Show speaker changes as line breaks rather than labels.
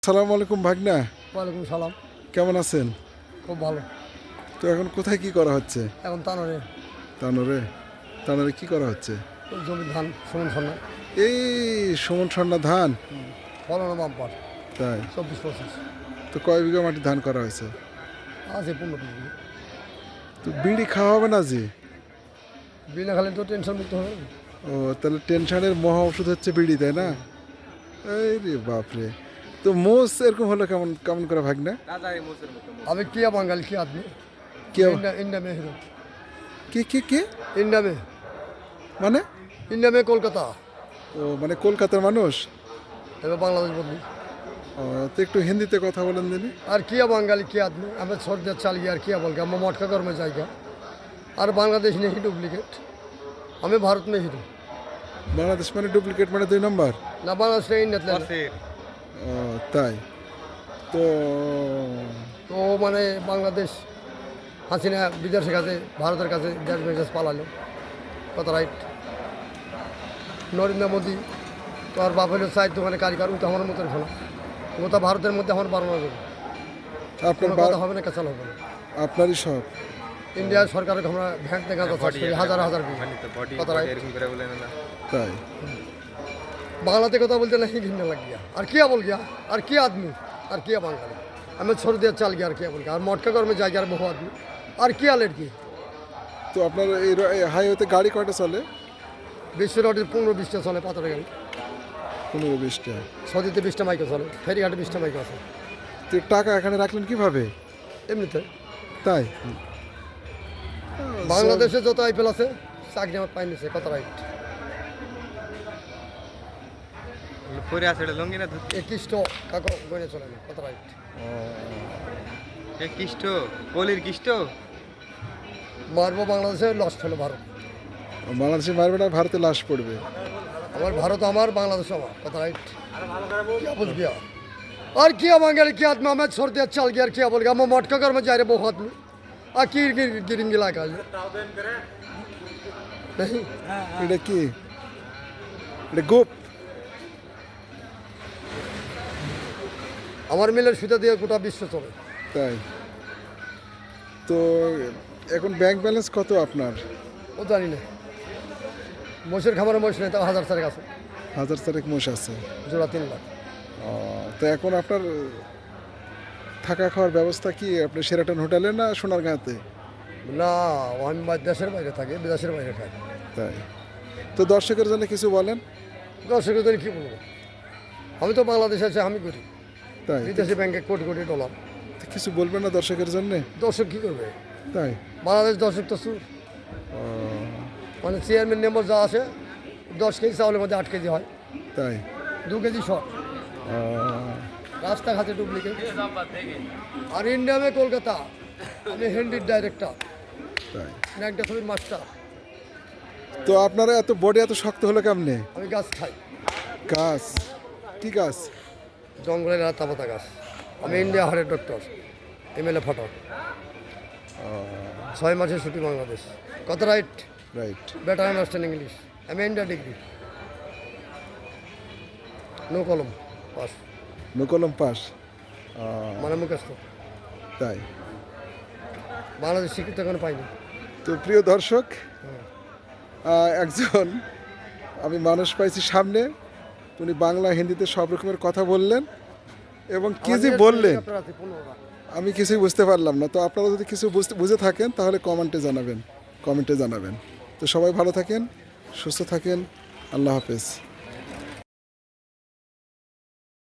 আসসালামু আলাইকুম ভাগনা।
ওয়ালাইকুম সালাম।
কেমন আছেন?
খুব ভালো।
তো এখন কোথায় কি করা হচ্ছে?
এখন তানোরে
তানোরে। তানোরে কি করা হচ্ছে?
ওই জমির ধান সমান সন্না
এই সুমন সন্না ধান।
ফলন বাম্পার
তাই
24-25
তো কয় বিঘা মাটি ধান করা হয়েছে?
আছে 15-20
তো বিড়ি খাওয়া হবে না জি?
বিনা খালি তো টেনশন মুক্ত হবে।
ও তাহলে টেনশনের মহা ওষুধ হচ্ছে বিড়ি, তাই না? এই রে বাপরে। তো মোষ এরকম হলো কেমন কেমন করে ভাগনা?
আমি কিয়া বাঙালি কি আদমি
কি
इंडिया में हीरो
কি কি কি
इंडिया में
মানে?
इंडिया में कोलकाता
ও মানে কলকাতার মানুষ।
এবার বাংলাদেশ বদলি
ও তো একটু হিন্দিতে কথা বলেন দিনি।
আর কিয়া বাঙালি কি आदमी हमें छोड़ दिया चल गया और किया बोल गया हम मटका घर में जाएगा और बांग्लादेश नहीं डुप्लीकेट हमें भारत में हीरो
বাংলাদেশ মানে ডুপ্লিকেট মানে 2 নম্বর।
ना बांग्लादेश ने इंडिया
ও তাই তো
তো মানে বাংলাদেশ হাসিনা বিদেশের কাছে ভারতের কাছে দেশ বিদেশ পালালো কত রাইট নরেন্দ্র মোদী তো আর বাপ হলো চাই দোকানে কারিগর ও তো আমার মতন শোনা গোটা ভারতের মধ্যে আমার বানানো যাবে
আপনার
কোনো কথা হবে না কেঁচাল হবে না
আপনারই সব।
ইন্ডিয়ার সরকারের আমরা ভ্যাট দেখা যাচ্ছে হাজার হাজার কত রাইট
তাই
বাংলাতে কথা বলতে नहीं घिनने लग गया और क्या बोल गया और क्या आदमी और क्या बंगाली हमें छोड़ दिया चल गया और क्या बोल गया और मटका घर में जा गया और बहु आदमी और क्या लड़की
তো আপনার এই হাইওয়েতে গাড়ি কয়টা চলে?
বিশ্ব রোডের 15-20টা চলে পাথরের গাড়ি
15-20টা।
সৌদিতে 20টা মাইকে চলে ফেরিঘাটে 20টা মাইকে আছে
তো টাকা এখানে রাখলেন কিভাবে?
এমনিতে
তাই
বাংলাদেশে যত আইপিএল আছে চাকরি আমার পাইনি সে কত রাইট
পরে আছে এটা লঙ্গি না ধুতি
21টো কাকো গনে চলে না কত রাইট
এ কিষ্ট কলির কিষ্ট
মারবো বাংলাদেশে লস হলো ভারত
বাংলাদেশে মারবে না, ভারতে লাশ পড়বে।
আমার ভারত আমার বাংলাদেশ আমার কত রাইট क्या बोल गया और क्या बंगाली क्या आदमी हमें छोड़ दिया चल गया और क्या बोल गया हम मटका घर में जा रहे बहुत आदमी आ की गिरिंगी लगा नहीं
এটা কি? এটা গোপ।
আমার মিলের সুতা দিয়ে গোটা বিশ্ব চলে
তাই তো এখন ব্যাংক ব্যালেন্স কত আপনার?
ও জানি না মোষের খামারে মোষ নেই তাও 1000 টাকা আছে
1000 মোষ আছে।
জোড়া 3 লাখ
তো এখন আপনার থাকা খাওয়ার ব্যবস্থা কি? আপনি শেরাটন হোটেলে না সোনারগাঁতে?
না আমি দেশের বাইরে থাকি বিদেশের বাইরে খাই
তাই তো দর্শকের জন্য কিছু বলেন।
দর্শকের জন্য কী বলবো আমি তো বাংলাদেশে আছি আমি করি
তাই
বিদেশি ব্যাংকে কোটি কোটি ডলার
তো কিছু বলবেন না দর্শকের জন্য?
দর্শক কী করবে
তাই
বাংলাদেশ দর্শক তো সুর মানে চেয়ারম্যান মেম্বার যা আছে 10 কেজি চাউলের মধ্যে 8 কেজি হয়
তাই
2 কেজি শর্ট রাস্তাঘাটে ডুপ্লিকেট আর ইন্ডিয়া মে কলকাতা আমি হিন্দির ডাইরেক্টর
তাই
না একটা ছবির মাস্টার
তো আপনারা এত বডি এত শক্ত হলো কেমনে?
আমি গাছ খাই
গাছ? কি গাছ?
জঙ্গলের রাতা পাতা গাছ আমি ইন্ডিয়া হারের ডক্টর এমএলএ ফটো 6 মাসের ছুটি বাংলাদেশ কত right
right
better understand English আমি ইন্ডিয়া ডিগ্রি নো কলম পাস
নকলম পাস।
মানে মুখস্থ
তাই
বাংলাদেশ স্বীকৃত কোনো পাইনি
তো প্রিয় দর্শক, একজন আমি মানুষ পাইছি সামনে, উনি বাংলা হিন্দিতে সব রকমের কথা বললেন এবং কি যে বললেন আমি কিছুই বুঝতে পারলাম না। তো আপনারা যদি কিছু বুঝে থাকেন তাহলে কমেন্টে জানাবেন। তো সবাই ভালো থাকেন, সুস্থ থাকেন, আল্লাহ হাফেজ।